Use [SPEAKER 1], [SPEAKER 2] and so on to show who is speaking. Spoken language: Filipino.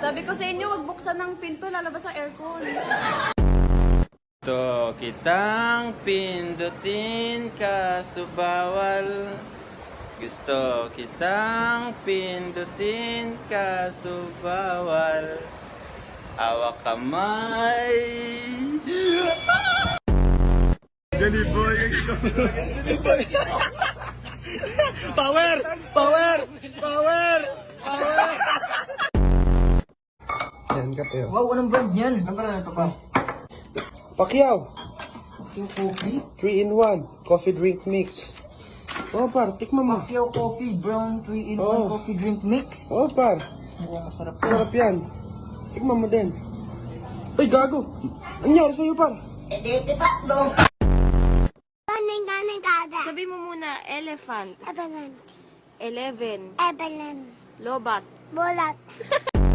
[SPEAKER 1] Sabi ko sa inyo, wag buksan ng pinto, lalabas ang aircon.
[SPEAKER 2] Gusto kitang pindutin kaso bawal. Gusto kitang pindutin kaso bawal. Hawak kamay. Gani boy. Power! Power! Power! Power! Yan kape.
[SPEAKER 3] Wow, anong brand yan? Anong brand ito pa?
[SPEAKER 2] Pacquiao.
[SPEAKER 3] Yung coffee?
[SPEAKER 2] 3-in-1 coffee drink mix. Oh par, tikman mo.
[SPEAKER 3] Pacquiao coffee, brown 3-in-1
[SPEAKER 2] Oh.
[SPEAKER 3] coffee drink mix.
[SPEAKER 2] Oh par,
[SPEAKER 3] Mukhang masarap yan.
[SPEAKER 2] sarap yan. Tikman mo din. Uy, gago. Anyari sa'yo par?
[SPEAKER 1] Sabi mo muna, elephant.
[SPEAKER 4] Ebalan.
[SPEAKER 1] 11.
[SPEAKER 4] Ebalan.
[SPEAKER 1] Lobat.
[SPEAKER 4] Bulat.